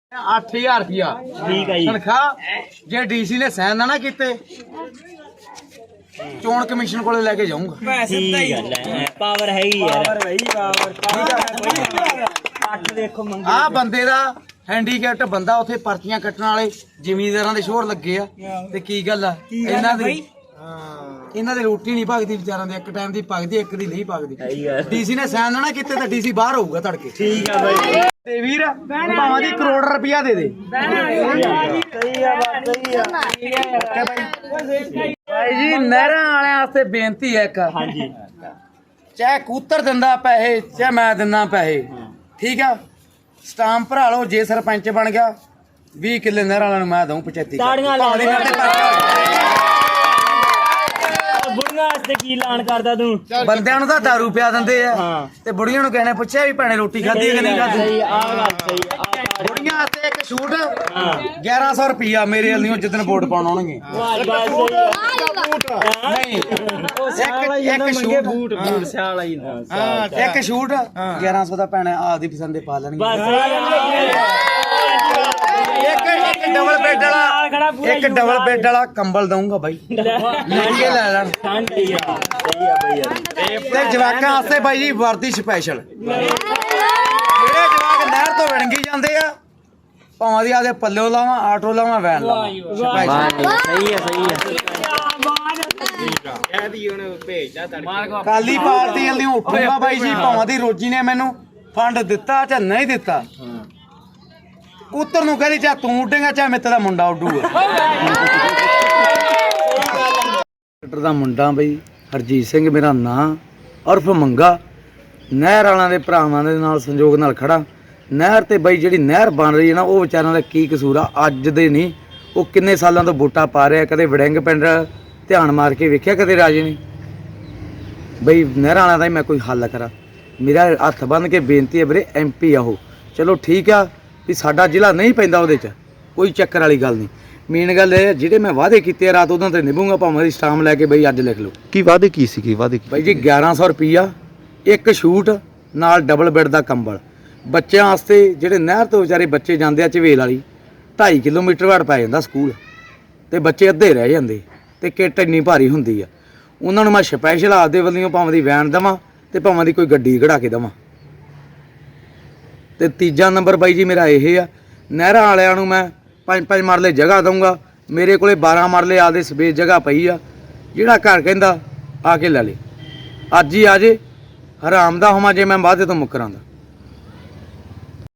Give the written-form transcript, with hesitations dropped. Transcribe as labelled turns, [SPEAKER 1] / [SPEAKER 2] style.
[SPEAKER 1] 8000 रुपया
[SPEAKER 2] ठीक है जी
[SPEAKER 1] तनख्वाह जे डीसी ने साइन ना कीते चोण कमीशन को लेके जाऊंगा।
[SPEAKER 2] ठीक है पावर है ही यार देखो मंगी
[SPEAKER 1] आ बंदे दा हैंडीकैप्ट बंदा उथे पर्चियां कट्टण वाले ਜ਼ਿਮੀਂਦਾਰਾਂ ਦੇ ਸ਼ੋਰ ਲੱਗੇ ਆ ਤੇ ਕੀ ਗੱਲ ਆ ਇਹਨਾਂ ਦੀ ਰੋਟੀ ਨਹੀਂ ਭਗਦੀ ਵਿਚਾਰਾਂ ਦੇ ਇੱਕ ਟਾਈਮ ਦੀ ਭਗਦੀ ਇੱਕ ਦੀ ਨਹੀਂ ਭਗਦੀ। ਡੀਸੀ ਨੇ ਸਾਈਨ ਨਾ ਕੀਤੇ ਤਾਂ ਡੀਸੀ ਬਾਹਰ ਹੋਊਗਾ ਤੜਕੇ।
[SPEAKER 2] ठीक है भाई
[SPEAKER 1] ਤੇ ਵੀਰ ਭਾਵਾਂ ਦੀ ਕਰੋੜ ਰੁਪਇਆ ਦੇ ਦੇ। ਭਾਈ ਜੀ ਨਹਿਰਾਂ ਵਾਲਿਆਂ ਵਾਸਤੇ ਬੇਨਤੀ ਹੈ ਇੱਕ
[SPEAKER 2] हाँ जी
[SPEAKER 1] ਚਾਹੇ ਕੂਤਰ ਦਿੰਦਾ ਪੈਸੇ ਚਾਹੇ ਮੈਂ ਦਿੰਦਾ ਪੈਸੇ ਠੀਕ ਆ ਸਟਾਂਪ ਭਰਾ ਲਓ। ਜੇ ਸਰਪੰਚ ਬਣ ਗਿਆ 20 ਕਿੱਲੇ ਨਹਿਰਾਂ ਵਾਲਿਆਂ ਨੂੰ ਮੈਂ ਦਊਂ 75
[SPEAKER 2] ਤਾੜੀਆਂ ਲਾ
[SPEAKER 1] ਭਾਵੇਂ ਮੇਰੇ ਤੇ ਪਰਚਾ
[SPEAKER 2] बुढ़िया वास्ते की ऐलान करदा तू
[SPEAKER 1] ਬੰਦਿਆਂ ਨੂੰ ਤਾਂ ਦਾਰੂ ਪਿਆ ਦਿੰਦੇ ਆ
[SPEAKER 2] ਹਾਂ।
[SPEAKER 1] ਤੇ ਬੁੜੀਆਂ ਨੂੰ ਕਹਿਣੇ ਪੁੱਛਿਆ ਵੀ ਭੈਣੇ ਰੋਟੀ ਖਾਧੀ ਕਿ ਨਹੀਂ ਖਾਧੀ।
[SPEAKER 2] सही आ बात सही
[SPEAKER 1] ਬੁੜੀਆਂ ਵਾਸਤੇ ਇੱਕ ਛੂਟ 1100 ਰੁਪਿਆ ਮੇਰੇ ਵੱਲੋਂ ਜਿੱਦਣ ਵੋਟ ਪਾਉਣ ਆਉਣਗੇ। ਨਹੀਂ ਇੱਕ ਛੂਟ
[SPEAKER 2] बूट बूट सियाल ही
[SPEAKER 1] ਇੱਕ ਛੂਟ 1100 ਦਾ ਭੈਣੇ ਆਪਦੀ ਪਸੰਦ ਦੇ ਪਾ ਲੈਣਗੇ।
[SPEAKER 2] बस
[SPEAKER 1] ਇੱਕ ਡਬਲ ਬੈੱਡ ਵਾਲਾ ਇੱਕ ਡਬਲ ਬੈੱਡ ਵਾਲਾ ਕੰਬਲ ਦਊਂਗਾ ਬਾਈ ਮਹਿੰਗੇ ਲੈ ਲੈਣ।
[SPEAKER 2] ठंड ही है सही है भैया
[SPEAKER 1] ਤੇ ਜਵਾਕਾਂ ਵਾਸਤੇ ਬਾਈ ਜੀ ਵਰਦੀ ਸਪੈਸ਼ਲ ਜਿਹੜੇ ਜਵਾਕ ਨਹਿਰ ਤੋਂ ਵਿਣਗੀ ਜਾਂਦੇ ਆ ਭਾਵਾਂ ਦੀ ਆਦੇ ਪੱਲਿਓ ਲਾਵਾਂ ਆਟੋ ਲਾਵਾਂ ਵੈਨ ਲਾਵਾਂ
[SPEAKER 2] सही है
[SPEAKER 1] ਕਾਲੀ ਪਾਰਟੀ ਵੱਲੋਂ ਉੱਠੂਗਾ ਬਾਈ ਜੀ ਭਾਵਾਂ ਦੀ ਰੋਜੀ ਨੇ ਮੈਨੂੰ ਫੰਡ ਦਿੱਤਾ ਜਾਂ ਨਹੀਂ ਦਿੱਤਾ ਕੂਤਰ ਨੂੰ ਕਹਿੰਦੀ ਚਾਹ ਤੂੰ ਉੱਡੇਗਾ ਚਾਹ ਮੇਰੇ ਦਾ ਮੁੰਡਾ ਉੱਡੂਗਾ। ਦਾ ਮੁੰਡਾ ਬਈ ਹਰਜੀਤ ਸਿੰਘ ਮੇਰਾ ਨਾਂ ਉਰਫ ਮੰਗਾ ਨਹਿਰ ਵਾਲਿਆਂ ਦੇ ਭਰਾਵਾਂ ਦੇ ਨਾਲ ਸੰਯੋਗ ਨਾਲ ਖੜਾ। ਨਹਿਰ ਤੇ ਬਈ ਜਿਹੜੀ ਨਹਿਰ ਬਣ ਰਹੀ ਹੈ ਨਾ ਉਹ ਵਿਚਾਰਿਆਂ ਦਾ ਕੀ ਕਸੂਰ ਆ ਅੱਜ ਦੇ ਨਹੀਂ ਉਹ ਕਿੰਨੇ ਸਾਲਾਂ ਤੋਂ ਵੋਟਾਂ ਪਾ ਰਿਹਾ। ਕਦੇ ਵੜਿੰਗ ਪਿੰਡ ਧਿਆਨ ਮਾਰ ਕੇ ਵੇਖਿਆ ਕਦੇ ਰਾਜੇ ਨੇ ਬਈ ਨਹਿਰਾਂ ਵਾਲਿਆਂ ਦਾ ਹੀ ਮੈਂ ਕੋਈ ਹੱਲ ਕਰਾਂ। ਮੇਰਾ ਹੱਥ ਬੰਨ੍ਹ ਕੇ ਬੇਨਤੀ ਹੈ ਵੀਰੇ MP ਆ ਉਹ ਚਲੋ ਠੀਕ ਆ ਵੀ ਸਾਡਾ ਜ਼ਿਲ੍ਹਾ ਨਹੀਂ ਪੈਂਦਾ ਉਹਦੇ 'ਚ ਕੋਈ ਚੱਕਰ ਵਾਲੀ ਗੱਲ ਨਹੀਂ। ਮੇਨ ਗੱਲ ਇਹ ਜਿਹੜੇ ਮੈਂ ਵਾਅਦੇ ਕੀਤੇ ਆ ਰਾਤ ਉਹਨਾਂ ਤੇ ਨਿਭੂੰਗਾ ਭਾਵੇਂ ਦੀ ਸਟਾਮ ਲੈ ਕੇ ਬਈ ਅੱਜ ਲਿਖ ਲਓ।
[SPEAKER 3] ਕੀ ਵਾਅਦੇ ਕੀ ਸੀ ਕੀ ਵਾਅਦੇ
[SPEAKER 1] ਬਾਈ ਜੀ 1100 ਰੁਪਈਆ ਇੱਕ ਸ਼ੂਟ ਨਾਲ ਡਬਲ ਬੈੱਡ ਦਾ ਕੰਬਲ ਬੱਚਿਆਂ ਵਾਸਤੇ ਜਿਹੜੇ ਨਹਿਰ ਤੋਂ ਵਿਚਾਰੇ ਬੱਚੇ ਜਾਂਦੇ ਆ ਝਵੇਲ ਵਾਲੀ 2.5 ਕਿਲੋਮੀਟਰ ਵਾਟ ਪੈ ਜਾਂਦਾ ਸਕੂਲ ਤੇ ਬੱਚੇ ਅੱਧੇ ਰਹਿ ਜਾਂਦੇ ਤੇ ਕਿੱਟ ਇੰਨੀ ਭਾਰੀ ਹੁੰਦੀ ਆ ਉਹਨਾਂ ਨੂੰ ਮੈਂ ਸਪੈਸ਼ਲ ਆਪਦੇ ਵੱਲੋਂ ਭਾਵੇਂ ਦੀ ਵੈਨ ਦੇਵਾਂ ਤੇ ਭਾਵੇਂ ਦੀ ਕੋਈ ਗੱਡੀ ਕਢਾ ਕੇ ਦੇਵਾਂ। ਤੇ ਤੀਜਾ ਨੰਬਰ ਬਾਈ ਜੀ ਮੇਰਾ ਇਹ ਆ ਨਹਿਰਾਂ ਵਾਲਿਆਂ ਨੂੰ ਮੈਂ 5-5 ਮਰਲੇ ਜਗ੍ਹਾ ਦਊਂਗਾ। ਮੇਰੇ ਕੋਲੇ 12 ਮਰਲੇ ਆਪਦੇ ਸਪੇਸ ਜਗ੍ਹਾ ਪਈ ਆ ਜਿਹੜਾ ਘਰ ਕਹਿੰਦਾ ਆ ਕੇ ਲੈ ਲੇ ਅੱਜ ਹੀ ਆ ਜੇ ਹਰਾਮ ਦਾ ਹੋਵਾਂ ਜੇ ਮੈਂ ਵਾਅਦੇ ਤੋਂ ਮੁੱਕਰਾਂਦਾ।